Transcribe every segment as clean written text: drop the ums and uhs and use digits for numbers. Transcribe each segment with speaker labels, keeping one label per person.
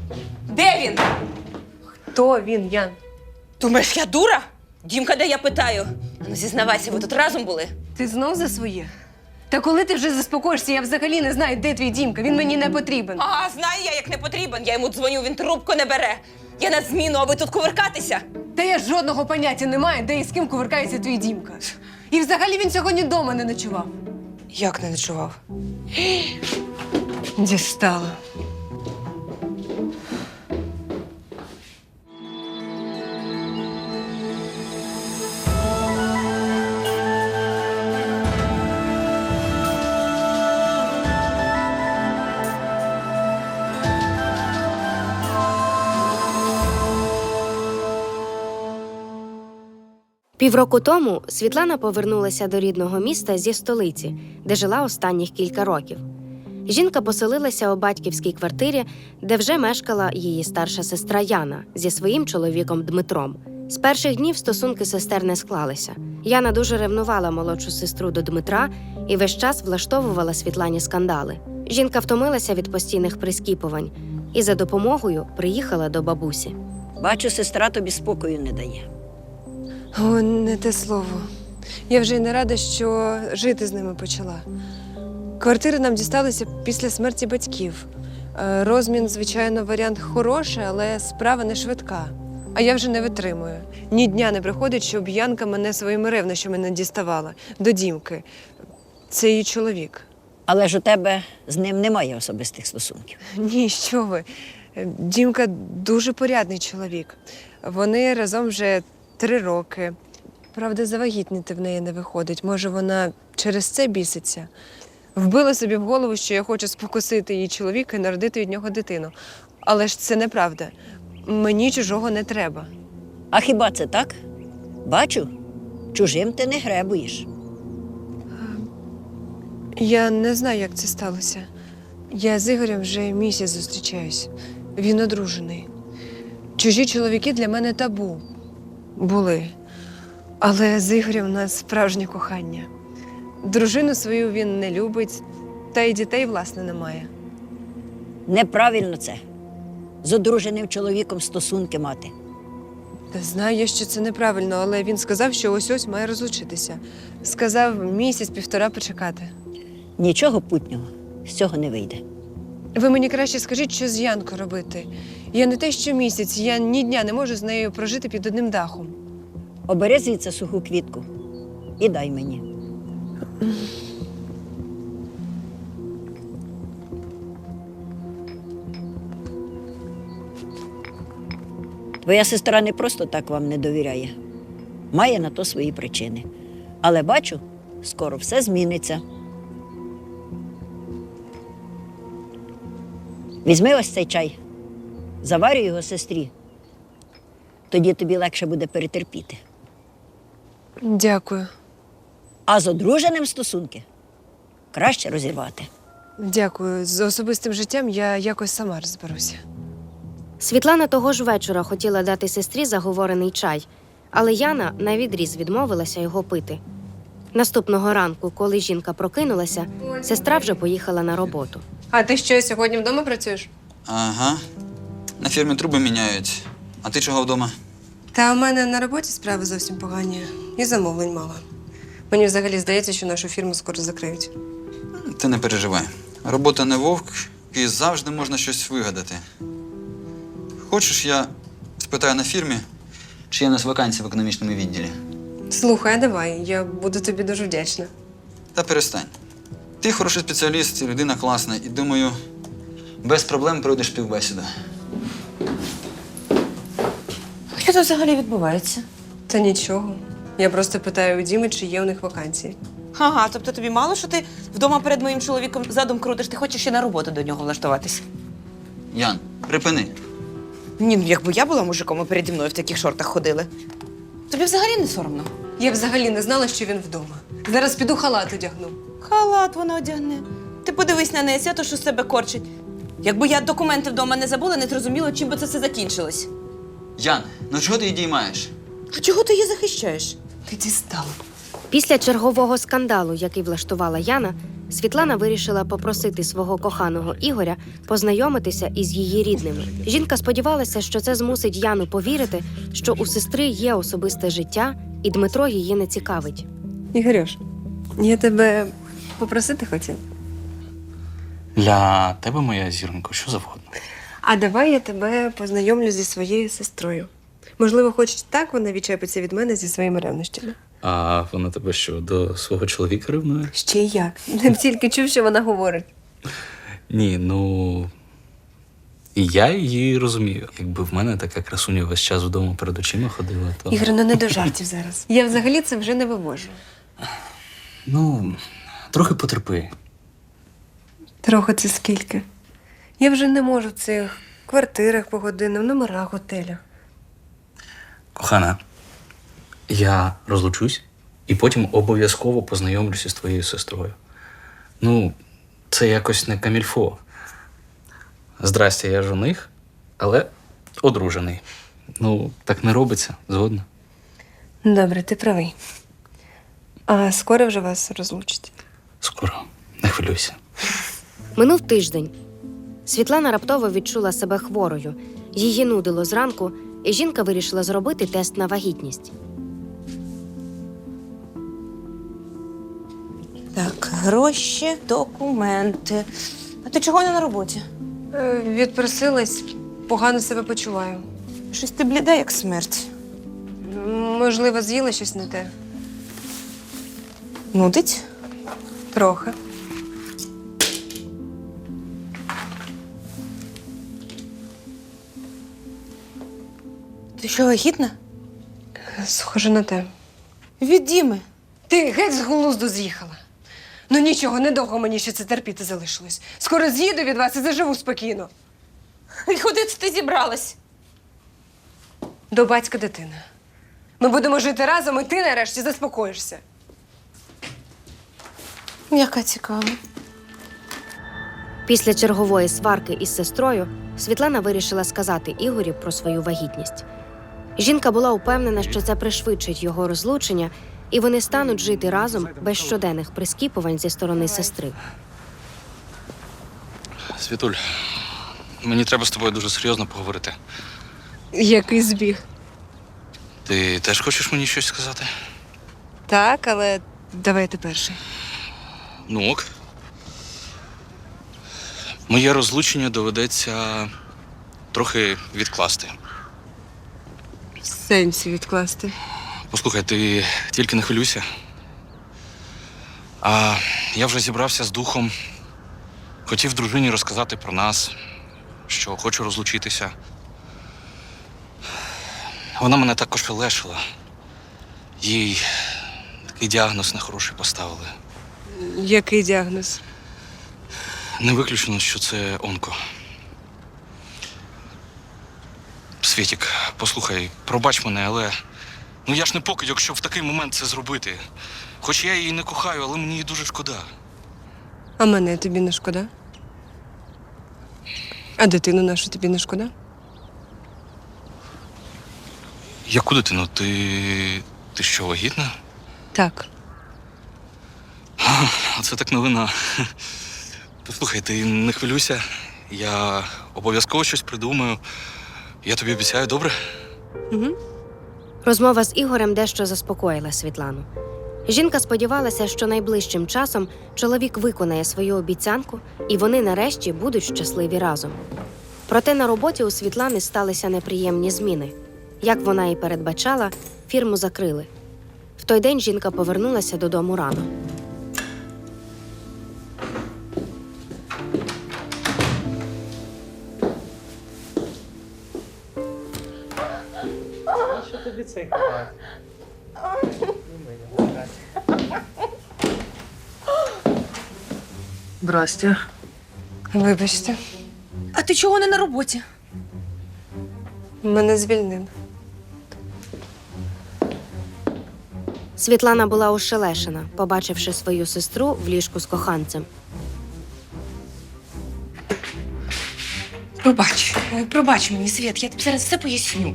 Speaker 1: Де він?
Speaker 2: Хто він, Ян?
Speaker 1: Думаєш, я дура? Дімка, де я питаю? Ну, зізнавайся, ви тут разом були?
Speaker 2: Ти знов за своє? Та коли ти вже заспокоїшся, я взагалі не знаю, де твій Дімка. Він мені не потрібен.
Speaker 1: А, знаю я, як не потрібен. Я йому дзвоню, він трубку не бере. Я на зміну, а ви тут кувиркатися?
Speaker 2: Та я жодного поняття не маю, де і з ким кувиркається твій Дімка. І взагалі він сьогодні вдома не ночував.
Speaker 1: Як не ночував?
Speaker 2: Дістала.
Speaker 3: Півроку тому Світлана повернулася до рідного міста зі столиці, де жила останніх кілька років. Жінка поселилася у батьківській квартирі, де вже мешкала її старша сестра Яна зі своїм чоловіком Дмитром. З перших днів стосунки сестер не склалися. Яна дуже ревнувала молодшу сестру до Дмитра і весь час влаштовувала Світлані скандали. Жінка втомилася від постійних прискіпувань і за допомогою приїхала до бабусі.
Speaker 4: Бачу, сестра тобі спокою не дає.
Speaker 2: О, не те слово. Я вже й не рада, що жити з ними почала. Квартири нам дісталися після смерті батьків. Розмін, звичайно, варіант хороший, але справа не швидка. А я вже не витримую. Ні дня не приходить, щоб Янка мене своїми ревнощами не діставала. До Дімки. Це її чоловік.
Speaker 4: Але ж у тебе з ним немає особистих стосунків.
Speaker 2: Ні, що ви. Дімка дуже порядний чоловік. Вони разом вже 3 роки. Правда, завагітніти в неї не виходить. Може, вона через це біситься. Вбила собі в голову, що я хочу спокусити її чоловіка і народити від нього дитину. Але ж це неправда. Мені чужого не треба.
Speaker 4: А хіба це так? Бачу, чужим ти не гребуєш.
Speaker 2: Я не знаю, як це сталося. Я з Ігорем вже місяць зустрічаюсь. Він одружений. Чужі чоловіки для мене табу. Були. Але з Ігорем у нас справжнє кохання. Дружину свою він не любить, та й дітей, власне, немає.
Speaker 4: Неправильно це. З одруженим чоловіком стосунки мати.
Speaker 2: Та знаю я, що це неправильно, але він сказав, що ось-ось має розлучитися. Сказав місяць-півтора почекати.
Speaker 4: Нічого путнього з цього не вийде.
Speaker 2: Ви мені краще скажіть, що з Янкою робити. Я не те, що місяць, я ні дня не можу з нею прожити під одним дахом.
Speaker 4: Обери звідси суху квітку і дай мені. Твоя сестра не просто так вам не довіряє. Має на то свої причини. Але бачу, скоро все зміниться. Візьми ось цей чай, заварюй його сестрі. Тоді тобі легше буде перетерпіти.
Speaker 2: Дякую.
Speaker 4: А з одруженим стосунки краще розірвати.
Speaker 2: Дякую. З особистим життям я якось сама розберуся.
Speaker 3: Світлана того ж вечора хотіла дати сестрі заговорений чай, але Яна навідріз відмовилася його пити. Наступного ранку, коли жінка прокинулася, сестра вже поїхала на роботу.
Speaker 2: А ти що, сьогодні вдома працюєш?
Speaker 5: Ага. На фірмі труби міняють. А ти чого вдома?
Speaker 2: Та у мене на роботі справи зовсім погані. І замовлень мало. Мені взагалі здається, що нашу фірму скоро закриють.
Speaker 5: Ти не переживай. Робота не вовк, і завжди можна щось вигадати. Хочеш, я спитаю на фірмі, чи є у нас вакансії в економічному відділі?
Speaker 2: Слухай, давай, я буду тобі дуже вдячна.
Speaker 5: Та перестань. Ти хороший спеціаліст, людина класна, і думаю, без проблем пройдеш співбесіду.
Speaker 1: Що тут взагалі відбувається?
Speaker 2: Та нічого. Я просто питаю у Діми, чи є у них вакансії.
Speaker 1: Ага, тобто тобі мало, що ти вдома перед моїм чоловіком задом крутиш, ти хочеш ще на роботу до нього влаштуватись?
Speaker 5: Ян, припини.
Speaker 1: Ні, ну якби я була мужиком, і переді мною в таких шортах ходили. Тобі взагалі не соромно?
Speaker 2: Я взагалі не знала, що він вдома. Зараз піду халат одягну.
Speaker 1: Халат вона одягне. Ти подивись на неї, свято, що з себе корчить. Якби я документи вдома не забула, не зрозуміло, чим би це все закінчилось.
Speaker 5: Ян, ну чого ти її діймаєш?
Speaker 1: А чого ти її захищаєш?
Speaker 2: Ти дістала.
Speaker 3: Після чергового скандалу, який влаштувала Яна, Світлана вирішила попросити свого коханого Ігоря познайомитися із її рідними. Жінка сподівалася, що це змусить Яну повірити, що у сестри є особисте життя, і Дмитро її не цікавить.
Speaker 2: Ігорюш, я тебе попросити хотіла.
Speaker 6: Для тебе, моя зіронько, що завгодно.
Speaker 2: А давай я тебе познайомлю зі своєю сестрою. Можливо, хоч так вона відчепиться від мене зі своїми ревнощами.
Speaker 6: А вона тебе що, до свого чоловіка ревнує?
Speaker 2: Ще й як. Не тільки чув, що вона говорить.
Speaker 6: Ні, ну. І я її розумію. Якби в мене така красуня весь час вдома перед очима ходила, то.
Speaker 2: Ігор, ну не до жартів зараз. Я взагалі це вже не вивожу.
Speaker 6: Ну, трохи потерпи.
Speaker 2: Трохи це скільки. Я вже не можу в цих квартирах погодинах, номерах, готелях.
Speaker 6: Кохана, я розлучусь і потім обов'язково познайомлюся з твоєю сестрою. Ну, це якось не камільфо. Здрастя, я жених, але одружений. Ну, так не робиться, згодна.
Speaker 2: Добре, ти правий. А скоро вже вас розлучать?
Speaker 6: Скоро, не хвилюйся.
Speaker 3: Минув тиждень. Світлана раптово відчула себе хворою. Її нудило зранку, і жінка вирішила зробити тест на вагітність.
Speaker 1: Так, гроші, документи. А ти чого не на роботі?
Speaker 2: Відпросилась, погано себе почуваю.
Speaker 1: Щось ти бліда, як смерть.
Speaker 2: Можливо, з'їла щось не те.
Speaker 1: Нудить?
Speaker 2: Трохи.
Speaker 1: Ти що, вагітна?
Speaker 2: Схоже на те.
Speaker 1: Від Діми.
Speaker 2: Ти геть з глузду з'їхала. Ну нічого, недовго мені ще це терпіти залишилось. Скоро з'їду від вас і заживу спокійно.
Speaker 1: І куди це ти зібралась?
Speaker 2: До батька дитини. Ми будемо жити разом, і ти нарешті заспокоїшся.
Speaker 1: Яка цікава.
Speaker 3: Після чергової сварки із сестрою Світлана вирішила сказати Ігорю про свою вагітність. Жінка була упевнена, що це пришвидшить його розлучення, і вони стануть жити разом без щоденних прискіпувань зі сторони сестри.
Speaker 6: Світуль, мені треба з тобою дуже серйозно поговорити.
Speaker 2: Який збіг.
Speaker 6: Ти теж хочеш мені щось сказати?
Speaker 2: Так, але давай ти перший.
Speaker 6: Ну ок. Моє розлучення доведеться трохи відкласти.
Speaker 2: В сенсі відкласти.
Speaker 6: Послухай, ти тільки не хвилюйся. А я вже зібрався з духом. Хотів дружині розказати про нас, що хочу розлучитися. Вона мене також лешила. Їй такий діагноз нехороший поставили.
Speaker 2: Який діагноз?
Speaker 6: Не виключено, що це онко. Світік, послухай, пробач мене, але ну я ж не покидьок, щоб в такий момент це зробити. Хоч я її не кохаю, але мені її дуже шкода.
Speaker 2: А мене тобі не шкода? А дитину нашу тобі не шкода?
Speaker 6: Яку дитину? Ти що, вагітна?
Speaker 2: Так.
Speaker 6: Оце так новина. Послухай, ти не хвилюйся. Я обов'язково щось придумаю. Я тобі обіцяю, добре?
Speaker 2: Угу.
Speaker 3: Розмова з Ігорем дещо заспокоїла Світлану. Жінка сподівалася, що найближчим часом чоловік виконає свою обіцянку, і вони нарешті будуть щасливі разом. Проте на роботі у Світлани сталися неприємні зміни. Як вона і передбачала, фірму закрили. В той день жінка повернулася додому рано.
Speaker 2: Здрастя. Вибачте,
Speaker 1: А ти чого не на роботі?
Speaker 2: мене звільнили.
Speaker 3: Світлана була ошелешена, побачивши свою сестру в ліжку з коханцем.
Speaker 7: Пробач мені, Світ, я тобі зараз все поясню.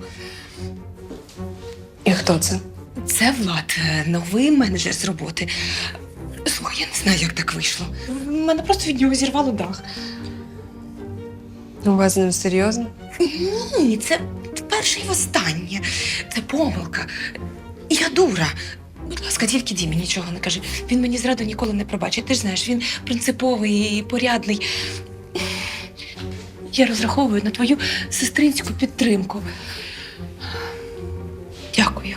Speaker 2: І хто це?
Speaker 7: Це Влад, новий менеджер з роботи. Слухай, Я не знаю, як так вийшло. Мене просто від нього зірвало дах.
Speaker 2: У вас з ним серйозно?
Speaker 7: Ні, це вперше і востаннє. Це помилка. Я дура. Будь ласка, тільки Дімі нічого не кажи. Він мені зраду ніколи не пробачить. Ти ж знаєш, він принциповий і порядний. Я розраховую на твою сестринську підтримку. Дякую.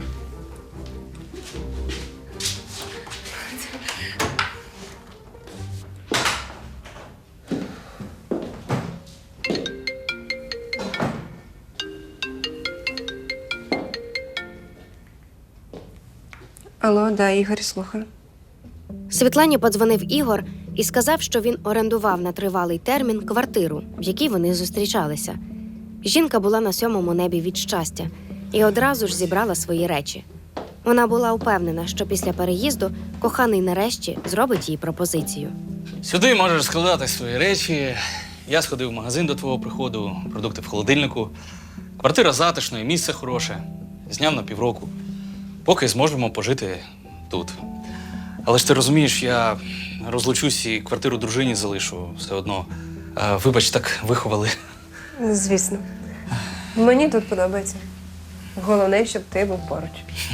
Speaker 2: Алло, да, Ігор, слухаю.
Speaker 3: Світлані подзвонив Ігор і сказав, що він орендував на тривалий термін квартиру, в якій вони зустрічалися. Жінка була на 7-му небі від щастя і одразу ж зібрала свої речі. Вона була упевнена, що після переїзду коханий нарешті зробить їй пропозицію.
Speaker 6: Сюди можеш складати свої речі. Я сходив в магазин до твого приходу, продукти в холодильнику. Квартира затишна і місце хороше. Зняв на півроку. Поки зможемо пожити тут. Але ж ти розумієш, я розлучусь і квартиру дружині залишу все одно. Вибач, так виховали.
Speaker 2: Звісно. Мені тут подобається. Головне, щоб ти був поруч.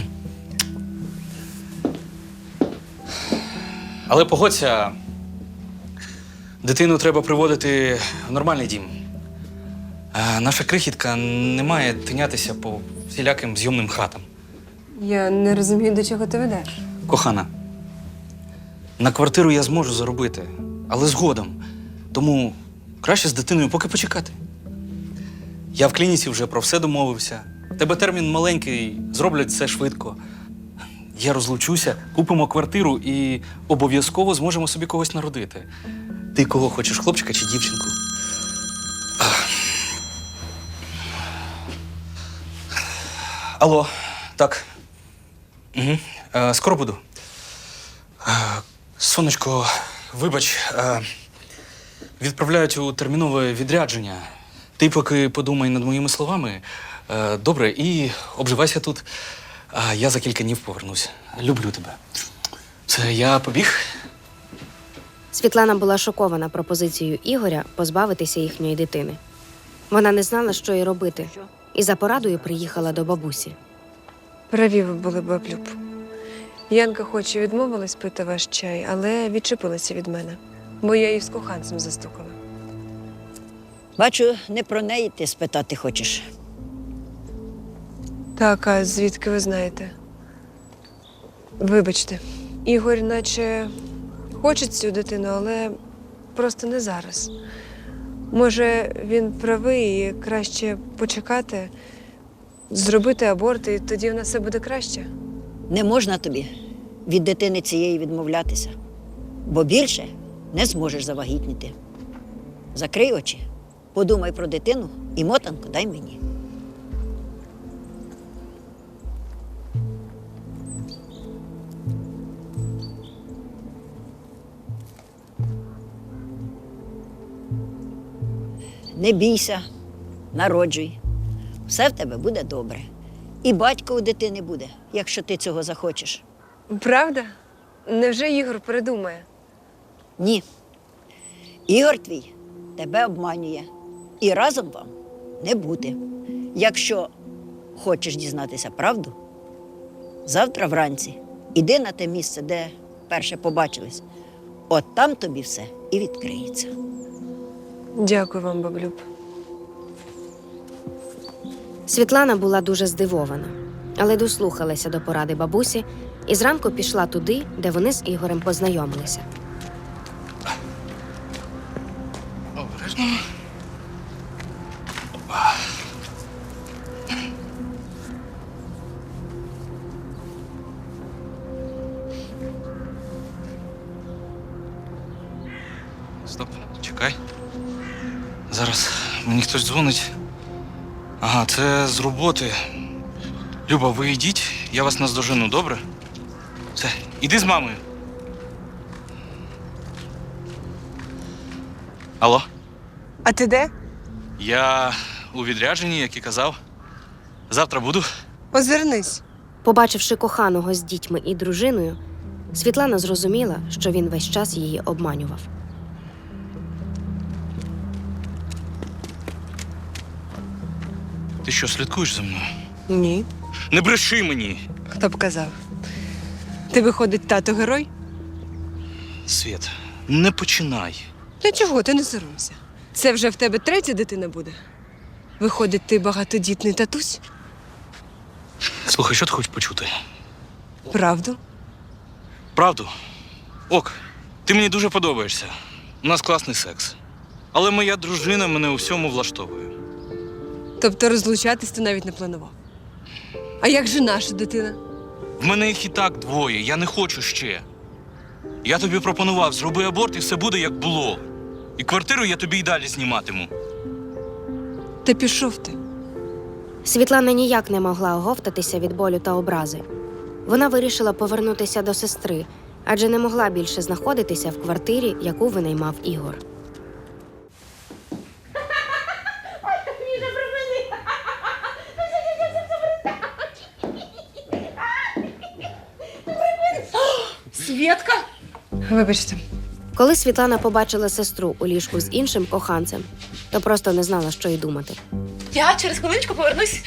Speaker 6: Але погодься, дитину треба приводити в нормальний дім. Наша крихітка не має тинятися по всіляким зйомним хатам.
Speaker 2: Я не розумію, до чого ти ведеш.
Speaker 6: Кохана, на квартиру я зможу заробити, але згодом. Тому краще з дитиною поки почекати. Я в клініці вже про все домовився. В тебе термін маленький, зроблять все швидко. Я розлучуся, купимо квартиру і обов'язково зможемо собі когось народити. Ти кого хочеш, хлопчика чи дівчинку? Алло, так. Угу. Скоро буду. Сонечко, вибач, відправляють у термінове відрядження. Ти поки подумай над моїми словами. Добре, і обживайся тут. Я за кілька днів повернусь. Люблю тебе. Це я побіг?
Speaker 3: Світлана була шокована пропозицією Ігоря позбавитися їхньої дитини. Вона не знала, що й робити, і за порадою приїхала до бабусі.
Speaker 2: Праві ви були, баблюб. Янка хоч і відмовилась пити ваш чай, але відчепилася від мене, бо я її з коханцем застукала.
Speaker 4: Бачу, не про неї ти спитати хочеш.
Speaker 2: Так, а звідки ви знаєте? Вибачте, Ігор наче хоче цю дитину, але просто не зараз. Може, він правий і краще почекати, зробити аборт, і тоді в нас все буде краще?
Speaker 4: Не можна тобі від дитини цієї відмовлятися, бо більше не зможеш завагітніти. Закрий очі, подумай про дитину і мотанку дай мені. Не бійся, народжуй. Все в тебе буде добре. І батько у дитини буде, якщо ти цього захочеш.
Speaker 2: Правда? Невже Ігор передумає?
Speaker 4: Ні. Ігор твій тебе обманює. І разом вам не бути. Якщо хочеш дізнатися правду, завтра вранці іди на те місце, де перше побачились. От там тобі все і відкриється.
Speaker 2: Дякую вам, баблюб.
Speaker 3: Світлана була дуже здивована, але дослухалася до поради бабусі і зранку пішла туди, де вони з Ігорем познайомилися.
Speaker 6: Обережно. Стоп, чекай. Зараз мені хтось дзвонить. Ага, це з роботи. Люба, ви йдіть, я вас наздожену, добре? Все, іди з мамою. Алло?
Speaker 2: А ти де?
Speaker 6: Я у відрядженні, як і казав. Завтра буду.
Speaker 2: Озирнись.
Speaker 3: Побачивши коханого з дітьми і дружиною, Світлана зрозуміла, що він весь час її обманював.
Speaker 6: Ти що, слідкуєш за мною?
Speaker 2: Ні.
Speaker 6: Не бреши мені!
Speaker 2: Хто б казав? Ти, виходить, тато герой?
Speaker 6: Світ, не починай.
Speaker 2: Та чого, ти не соромся. Це вже в тебе третя дитина буде? Виходить, ти багатодітний татусь?
Speaker 6: Слухай, що ти хочеш почути?
Speaker 2: Правду?
Speaker 6: Правду? Ок, ти мені дуже подобаєшся. У нас класний секс. Але моя дружина мене у всьому влаштовує.
Speaker 2: Тобто розлучатись ти навіть не планував. А як же наша дитина?
Speaker 6: В мене їх і так двоє, я не хочу ще. Я тобі пропонував, зроби аборт і все буде як було. І квартиру я тобі й далі зніматиму.
Speaker 2: Та пішов ти.
Speaker 3: Світлана ніяк не могла оговтатися від болю та образи. Вона вирішила повернутися до сестри, адже не могла більше знаходитися в квартирі, яку винаймав Ігор.
Speaker 7: Свєтка?
Speaker 2: Вибачте.
Speaker 3: Коли Світлана побачила сестру у ліжку з іншим коханцем, то просто не знала, що й думати.
Speaker 7: Я через хвилиночку повернусь.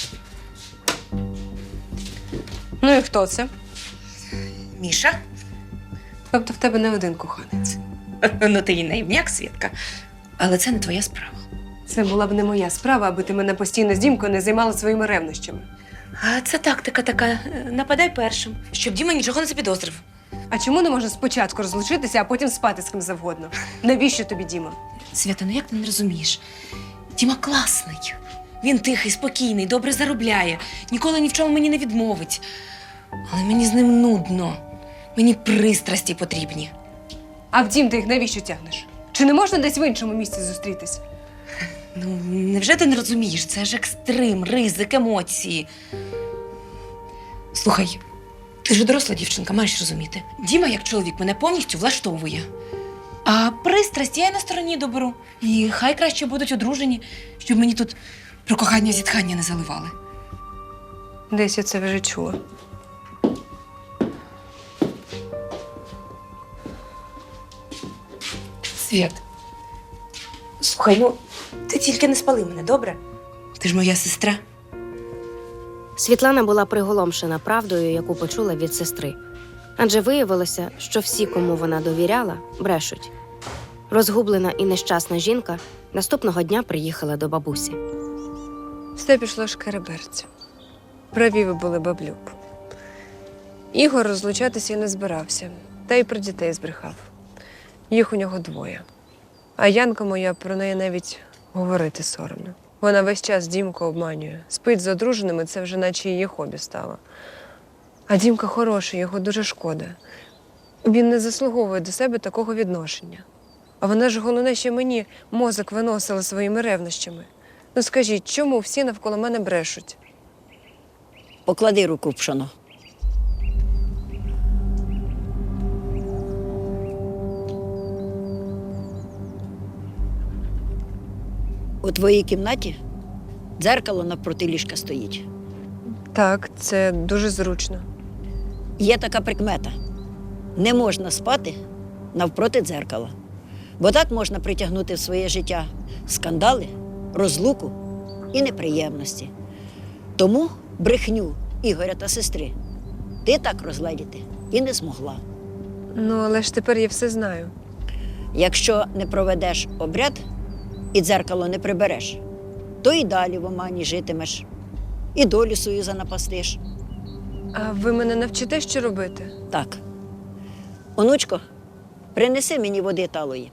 Speaker 2: Ну і хто це?
Speaker 7: Міша?
Speaker 2: Тобто в тебе не один коханець.
Speaker 7: Ну, ти і наївняк, Свєтка. Але це не твоя справа.
Speaker 2: Це була б не моя справа, аби ти мене постійно з Дімкою не займала своїми ревнощами.
Speaker 7: А це тактика така. Нападай першим, щоб Діма нічого не запідозрив.
Speaker 2: А чому не можна спочатку розлучитися, а потім спати з ким завгодно? Навіщо тобі, Діма?
Speaker 7: Свята, ну як ти не розумієш? Діма класний. Він тихий, спокійний, добре заробляє, ніколи ні в чому мені не відмовить. Але мені з ним нудно. Мені пристрасті потрібні.
Speaker 2: А втім, ти їх навіщо тягнеш? Чи не можна десь в іншому місці зустрітись?
Speaker 7: Ну, невже ти не розумієш? Це ж екстрим, ризик, емоції. Слухай, ти ж доросла дівчинка, маєш розуміти. Діма, як чоловік, мене повністю влаштовує. А пристрасть я й на стороні доберу. І хай краще будуть одружені, щоб мені тут про кохання зітхання не заливали.
Speaker 2: Десь я це вже чула.
Speaker 7: Світ, слухай, ну, ти тільки не спали мене, добре? Ти ж моя сестра.
Speaker 3: Світлана була приголомшена правдою, яку почула від сестри. Адже виявилося, що всі, кому вона довіряла, брешуть. Розгублена і нещасна жінка наступного дня приїхала до бабусі.
Speaker 2: Все пішло шкереберцю. Праві ви були, баблюк. Ігор розлучатися і не збирався, та й про дітей збрехав. Їх у нього двоє. А Янка моя, про неї навіть говорити соромно. Вона весь час Дімку обманює. Спить з одруженими, це вже наче її хобі стало. А Дімка хороший, його дуже шкода. Він не заслуговує до себе такого відношення. А вона ж головне, що мені мозок виносила своїми ревнощами. Ну скажіть, чому всі навколо мене брешуть?
Speaker 4: Поклади руку в пшоно. У твоїй кімнаті дзеркало навпроти ліжка стоїть.
Speaker 2: Так, це дуже зручно.
Speaker 4: Є така прикмета. Не можна спати навпроти дзеркала. Бо так можна притягнути в своє життя скандали, розлуку і неприємності. Тому брехню Ігоря та сестри ти так розгледіти і не змогла.
Speaker 2: Ну, але ж тепер я все знаю.
Speaker 4: Якщо не проведеш обряд і дзеркало не прибереш, то і далі в омані житимеш, і долю свою занапастиш.
Speaker 2: А ви мене навчите, що робити?
Speaker 4: Так. Онучко, принеси мені води талої.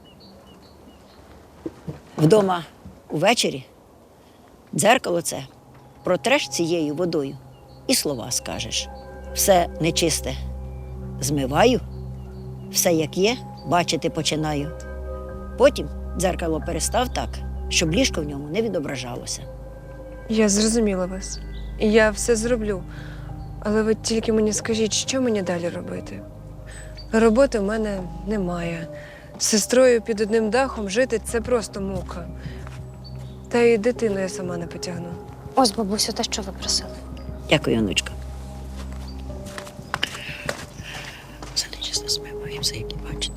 Speaker 4: Вдома увечері дзеркало це протреш цією водою і слова скажеш. Все нечисте змиваю, все як є, бачити починаю. Потім дзеркало перестав так, щоб ліжко в ньому не відображалося.
Speaker 2: Я зрозуміла вас. І я все зроблю. Але ви тільки мені скажіть, що мені далі робити? Роботи в мене немає. З сестрою під одним дахом жити – це просто мука. Та й дитину я сама не потягну.
Speaker 3: Ось, бабусю, те, що ви просили.
Speaker 4: Дякую, онучко. Все. все, які бачите.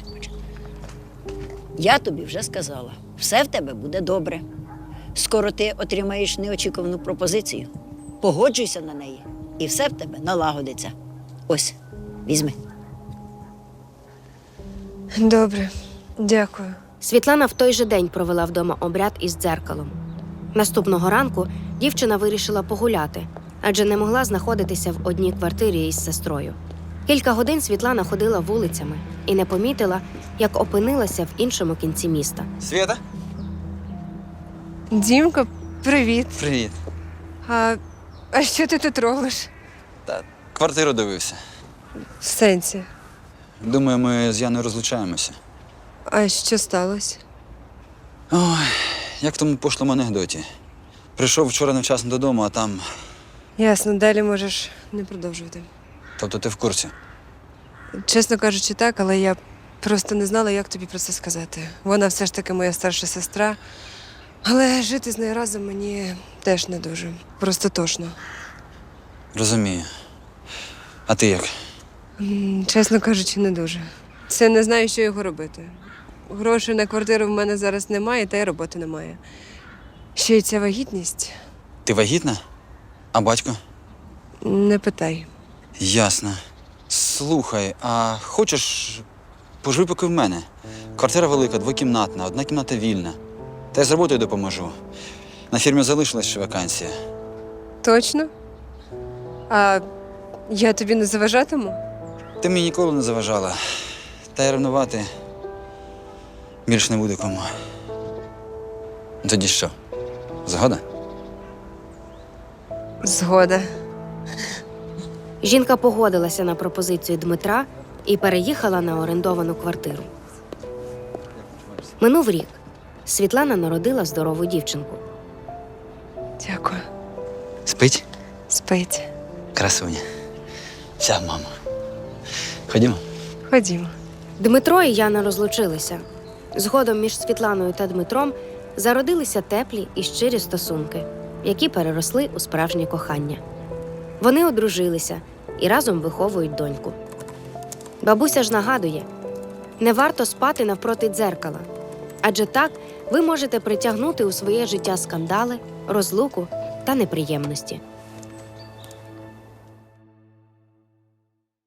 Speaker 4: Я тобі вже сказала, все в тебе буде добре. Скоро ти отримаєш неочікувану пропозицію. Погоджуйся на неї, і все в тебе налагодиться. Ось, візьми.
Speaker 2: Добре, дякую.
Speaker 3: Світлана в той же день провела вдома обряд із дзеркалом. Наступного ранку дівчина вирішила погуляти, адже не могла знаходитися в одній квартирі із сестрою. Кілька годин Світлана ходила вулицями і не помітила, як опинилася в іншому кінці міста.
Speaker 5: Свята?
Speaker 2: Дімка, привіт.
Speaker 5: Привіт.
Speaker 2: А що ти тут робиш?
Speaker 5: Квартиру дивився.
Speaker 2: В сенсі.
Speaker 5: Думаю, ми з Яною розлучаємося.
Speaker 2: А що сталося?
Speaker 5: Ой, як в тому пошлому анекдоті. Прийшов вчора невчасно додому, а там.
Speaker 2: Ясно, далі можеш не продовжувати.
Speaker 5: Тобто ти в курсі.
Speaker 2: Чесно кажучи, так, але я просто не знала, як тобі про це сказати. Вона все ж таки моя старша сестра, але жити з нею разом мені теж не дуже. Просто тошно.
Speaker 5: Розумію. А ти як?
Speaker 2: Чесно кажучи, не дуже. Це не знаю, що його робити. Грошей на квартиру в мене зараз немає, та й роботи немає. Ще й ця вагітність.
Speaker 5: Ти вагітна? А батько?
Speaker 2: Не питай.
Speaker 5: Ясно. Слухай, а хочеш поживи поки в мене? Квартира велика, двокімнатна, одна кімната вільна. Та й з роботою допоможу. На фірмі залишилась ще вакансія.
Speaker 2: Точно? А я тобі не заважатиму?
Speaker 5: Ти мені ніколи не заважала. Та й ревнувати більш не буде кому. Тоді що? Згода?
Speaker 2: Згода.
Speaker 3: Жінка погодилася на пропозицію Дмитра і переїхала на орендовану квартиру. Минув рік. Світлана народила здорову дівчинку.
Speaker 2: Дякую.
Speaker 5: Спить?
Speaker 2: Спить.
Speaker 5: Красуня. Вся мама. Ходімо.
Speaker 2: Ходімо.
Speaker 3: Дмитро і Яна розлучилися. Згодом між Світланою та Дмитром зародилися теплі і щирі стосунки, які переросли у справжнє кохання. Вони одружилися і разом виховують доньку. Бабуся ж нагадує, не варто спати навпроти дзеркала, адже так ви можете притягнути у своє життя скандали, розлуку та неприємності.